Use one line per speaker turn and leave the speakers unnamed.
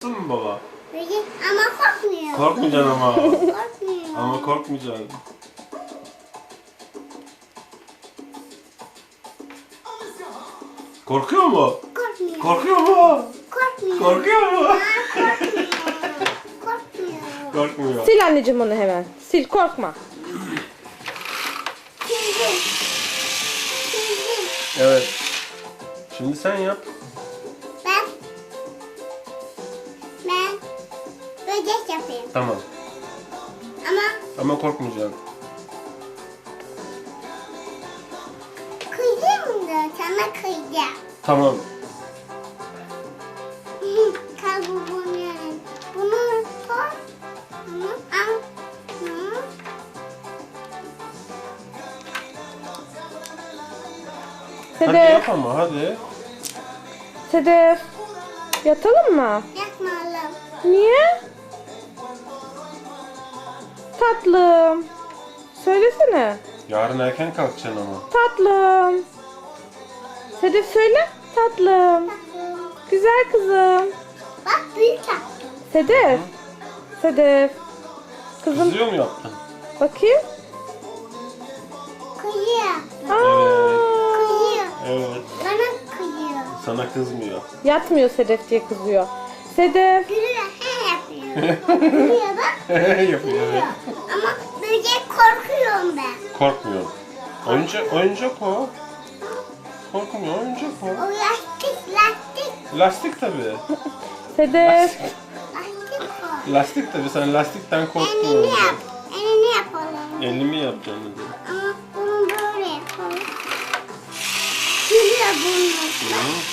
Tuttun mu baba?
Böyle ama korkmuyor.
Korkmayacaksın ama.
Korkmuyor.
Ama korkmayacaksın. Korkuyor mu?
Korkmuyor.
Korkuyor mu?
Korkmuyor.
Korkuyor mu?
Korkmuyor. Korkmuyor.
Korkmuyor.
Sil anneciğim onu hemen. Sil, korkma.
Sildim. Sildim.
Evet. Şimdi sen yap.
Ben böcek yapayım.
Tamam.
Ama
Ama korkmayacaksın.
kıyacağım da sana kıyacağım.
Tamam.
Kalbim yani. Bunu koy. Bunu al. Bunu.
Hadi
Sedef,
yap ama hadi.
Sedef. Yatalım mı?
Yapmayalım.
Niye? Tatlım. Söylesene.
Yarın erken kalkacaksın ama.
Tatlım. Sedef söyle. Tatlım. Güzel kızım.
Bak büyük yaptım.
Sedef. Sedef. Kızım
Kızıyor mu yaptın?
bakayım.
Kıyıyor.
Aa,
Kıyıyor.
Evet.
Bana kıyıyor.
Sana kızmıyor.
yatmıyor Sedef diye kızıyor. Sedef.
Gülüyor. He yapıyor. Gülüyor bak.
Yapıyor
Gülüyor.
evet.
Ama böcek korkuyorum ben.
Korkmuyor. Oyuncak o. Korkmuyor, oyuncak o.
O lastik.
Lastik tabii.
Sedef.
Lastik o.
Lastik tabii. Sen lastikten
Elini
korkmuyorsun.
yap. Elini yapalım.
Elimi yapacaksın dedi.
Ama bunu böyle yapalım. Gülüyor bunu.
Hı.